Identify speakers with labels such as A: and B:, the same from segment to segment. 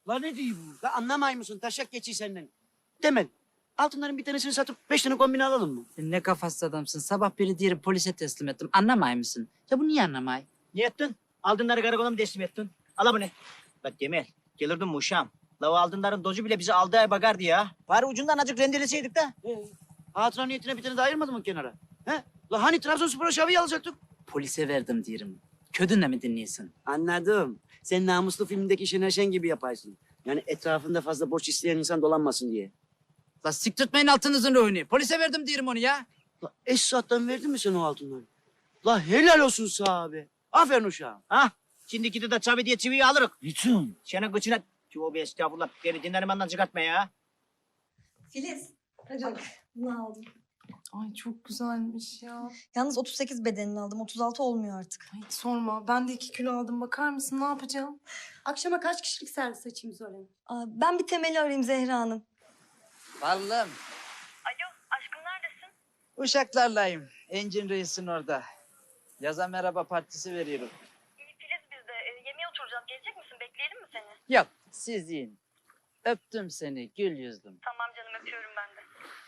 A: La ne diyor bu? La anlamay mısın? Taşak geçiyor senden. Temel. Altınların bir tanesini satıp 5 tane kombine alalım mı?
B: Sen ne kafasız adamsın. Sabah biri diğeri polise teslim ettim. Anlamay mısın? Ya bu niye anlamay?
C: Ne ettin? Altınları karakola mı teslim ettin? Ala bu ne? Bak Temel, gelirdim mi uşağım? La o altınların dozu bile bizi aldığı ay bakardı ya. Bari ucundan azıcık rendeleseydik de.
A: Hatıra niyetine bir tane de ayırmadın mı kenara? He? La hani Trabzonspor'a şaviye alacaktık?
B: Polise verdim diyorum. Ködünle mi dinliyorsun?
A: Anladım. Sen namuslu filmdeki Şener Şen gibi yaparsın. Yani etrafında fazla borç isteyen insan dolanmasın diye.
B: La siktirtmeyin altınızın ruhunu. Polise verdim diyorum onu ya.
A: La Esat'tan verdin mi sen o altınları? La helal olsun sana abi. Aferin uşağım.
C: Hah, şimdi gidip de çavi diye çiviyi alırız.
A: Niçin?
C: Senin kıçına... Tövbe estağfurullah, beni dinlenmenden çıkartma ya.
D: Filiz, hadi bunu aldım.
E: Ay çok güzelmiş ya.
D: Yalnız 38 bedenini aldım. 36 olmuyor artık.
E: Ay hiç sorma. Ben de 2 kilo aldım. Bakar mısın? Ne yapacağım?
F: Akşama kaç kişilik servis açayım söyle.
D: Aa, ben bir Temel'i arayayım Zehra Hanım.
B: Varlığım.
G: Alo, aşkım neredesin?
B: Uşaklarlayım. Engin Reis'in orada. Yaza merhaba partisi veriyorum.
G: İyi Filiz bizde. Yemeğe oturacağız. Gelecek misin? Bekleyelim mi seni?
B: Yok, siz yiyin. Öptüm seni gül yüzlüm.
G: Tamam canım, öpüyorum ben de.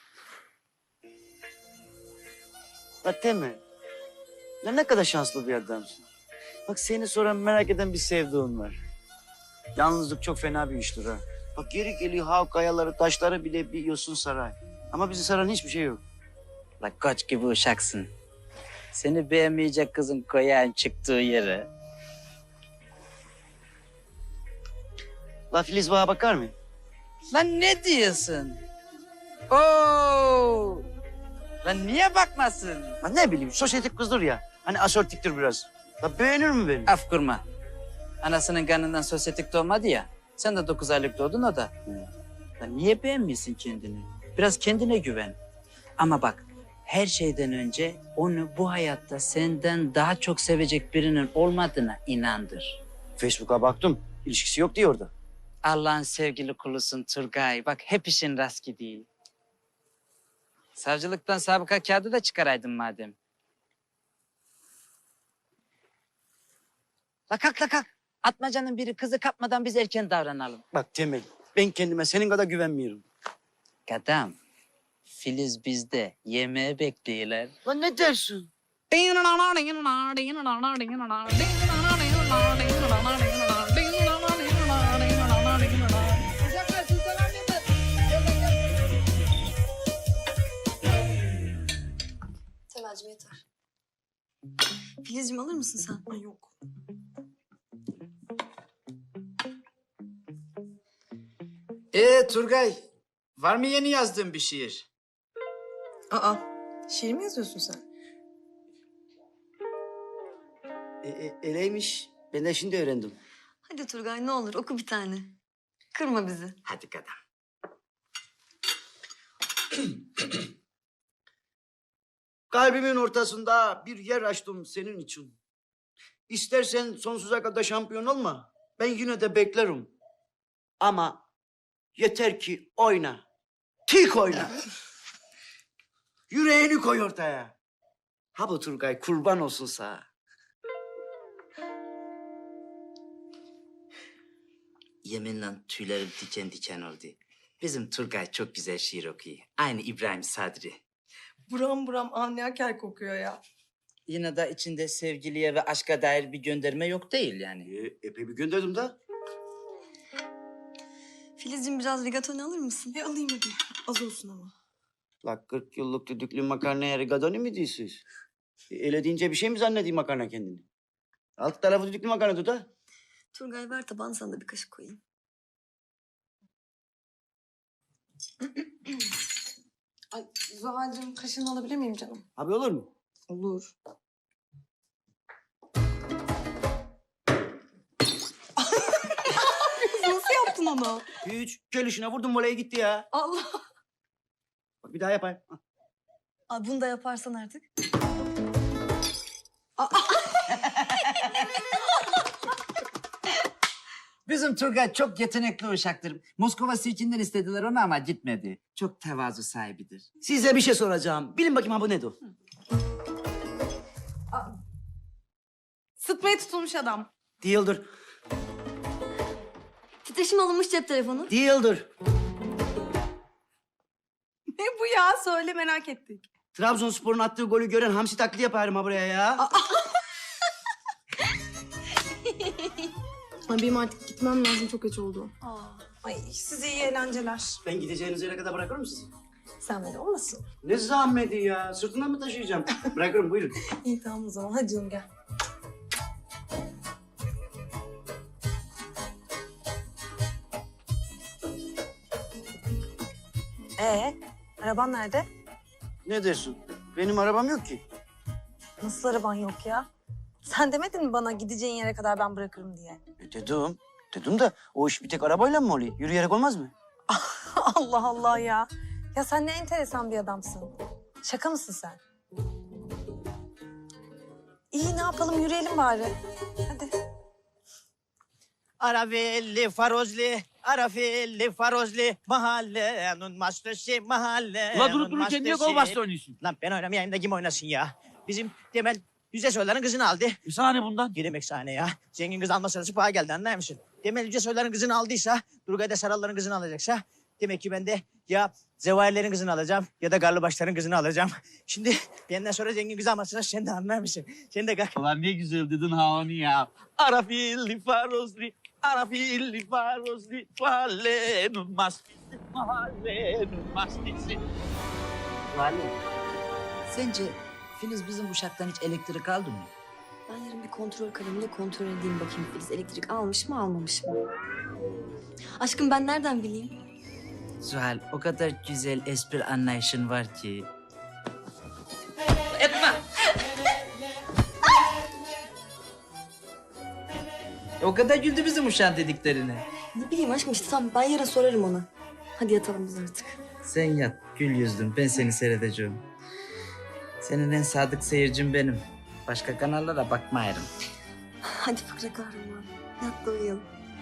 A: La Temel. Ya ne kadar şanslı bir adamsın. Bak seni soran merak eden bir sevduğun var. Yalnızlık çok fena bir iştir ha. Bak geri geliyor hav kayaları, taşları bile bir yosun saray. Ama bizi saran hiçbir şey yok.
B: La koç gibi uşaksın. Seni beğenmeyecek kızın koyağın çıktığı yere.
A: La Filiz bana bakar mı?
B: Lan ne diyorsun? Oo! Lan niye bakmasın?
A: La ne bileyim sosyetik kızdır ya. Hani asortiktir biraz. La beğenir mi beni?
B: Af kurma. Anasının kanından sosyetik doğmadı ya. Sen de 9 aylık doğdun o da. Lan niye beğenmiyorsun kendini? Biraz kendine güven. Ama bak her şeyden önce onu bu hayatta senden daha çok sevecek birinin olmadığına inandır.
A: Facebook'a baktım. İlişkisi yok diyor orada.
B: Allah'ın sevgili kulusun Turgay. Bak hep işin rast gidiyor. Savcılıktan sabıka kağıdı da çıkaraydın madem. La kalk la kalk. Atmacanın biri kızı kapmadan biz erken davranalım.
A: Bak Temel, ben kendime senin kadar güvenmiyorum.
B: Kadam, Filiz bizde. Yemeğe bekliyorlar.
A: Lan ne dersin?
D: Temel'cim yeter. Filizciğim alır mısın sen?
E: Ay yok.
B: Turgay, var mı yeni yazdığın bir şiir?
E: Aa, şiir mi yazıyorsun sen?
A: Eleymiş. Ben de şimdi öğrendim.
D: Hadi Turgay ne olur oku bir tane. Kırma bizi.
B: Hadi kadam.
A: Kalbimin ortasında bir yer açtım senin için. İstersen sonsuza kadar şampiyon olma. Ben yine de beklerim. Ama yeter ki oyna. Tik oyna. Yüreğini koy ortaya. Ha bu Turgay kurban olsun sana.
B: Yeminle tüylerim diken diken oldu. Bizim Turgay çok güzel şiir okuyor. Aynı İbrahim Sadri.
E: Buram buram anlayaker kokuyor ya.
B: Yine de içinde sevgiliye ve aşka dair bir gönderme yok değil yani.
A: Epey bir gönderdim de.
D: Filizciğim biraz rigatoni alır mısın?
E: Alayım hadi. Az olsun ama.
A: La 40 yıllık düdüklü makarnaya rigatoni mi diyorsunuz? Öyle deyince bir şey mi zannedeyim makarna kendini? Alt tarafı düdüklü makarna tut ha.
D: Turgay ver tabağını sana da bir kaşık koyayım.
E: Ay Zuhal'cığım kaşığını alabilir miyim canım?
A: Abi olur mu?
E: Olur. Nasıl yaptın onu?
A: Hiç. Gelişine vurdum voleye gitti ya.
E: Allah.
A: Bak bir daha yapayım. Ha.
D: Aa, bunu da yaparsan artık.
B: Bizim Turgay çok yetenekli uşaktır. Moskova Sirkinden istediler onu ama gitmedi. Çok tevazu sahibidir.
A: Size bir şey soracağım. Bilin bakayım ha bu nedir?
E: Sıtmaya tutulmuş adam.
A: Değildir.
D: Titreşim alınmış cep telefonu.
A: Değildir.
E: Ne bu ya? Söyle merak ettik.
A: Trabzonspor'un attığı golü gören hamsi taklidi yaparım ha buraya ya.
E: Ay benim artık gitmem lazım. Çok geç oldu. Ay size iyi eğlenceler.
A: Ben gideceğiniz yere kadar bırakırım sizi.
E: Sen beni olmasın?
A: Ne zahmeti ya. Sırtından mı taşıyacağım? Bırakırım buyurun.
E: İyi tamam o zaman. Hadi canım gel.
H: Araban nerede?
A: Ne dersin? Benim arabam yok ki.
H: Nasıl araban yok ya? Sen demedin mi bana gideceğin yere kadar ben bırakırım diye?
A: Dedim. Dedim de o iş bir tek arabayla mı oluyor? Yürüyerek olmaz mı?
H: Allah Allah ya. Ya sen ne enteresan bir adamsın. Şaka mısın sen? İyi ne yapalım yürüyelim bari. Hadi.
C: Arafelli farozli, mahallenin mastoşi, mahallenin
I: Ulan durup dururken niye gol bastı oynuyorsun?
C: Lan ben oynamayayım da kim oynasın ya? Bizim Temel Yüce Soylar'ın kızını aldı.
I: Bir saniye bundan.
C: Ne demek sahne ya? Zengin kız alma sırası paha geldi anlar mısın? Temel Yüce Soylar'ın kızını aldıysa, Durgay da Saralların kızını alacaksa... Demek ki ben de ya Zevahirlerin kızını alacağım ya da Garlıbaşların kızını alacağım. Şimdi benden sonra zengin kız almasına sen de anlar mısın? Sen de kalk.
I: Ulan ne güzel dedin ha onu ya. Arafilli farozli, arafilli farozli, mahallenin mastisi, mahallenin mastisi.
B: Sence Filiz bizim uşaktan hiç elektrik aldı mı?
D: Ben yarın bir kontrol kalemle kontrol edeyim bakayım Filiz elektrik almış mı almamış mı? Aşkım ben nereden bileyim?
B: Zuhal o kadar güzel espri anlayışın var ki. Etme! O kadar güldü bizim uşağın dediklerine.
D: Ne bileyim aşkım işte tamam ben yarın sorarım ona. Hadi yatalım biz artık.
B: Sen yat gül yüzlüm ben seni seyredeceğim. Senin en sadık seyircin benim. Başka kanallara bakmayarım.
D: Hadi Fıkra kahraman. Yat da uyuyalım.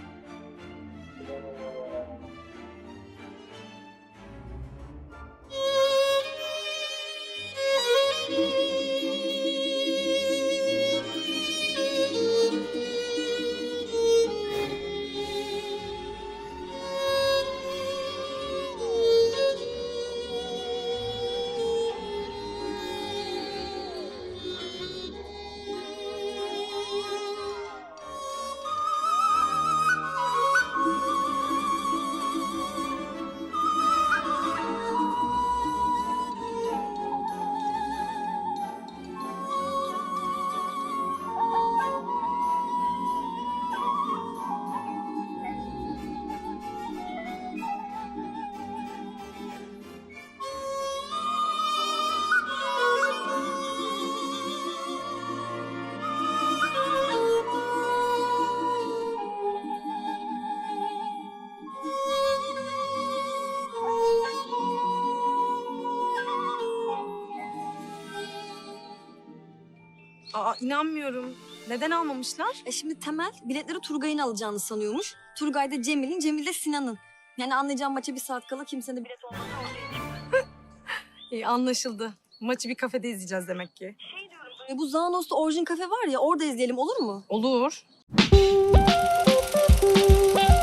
E: Aa inanmıyorum. Neden almamışlar?
D: Şimdi Temel biletleri Turgay'ın alacağını sanıyormuş. Turgay da Cemil'in, Cemil de Sinan'ın. Yani anlayacağım maça bir saat kala kimsenin de bilet olmaz.
E: İyi anlaşıldı. Maçı bir kafede izleyeceğiz demek ki.
D: Bu Zanos'ta Orjin Kafe var ya orada izleyelim olur mu?
E: Olur.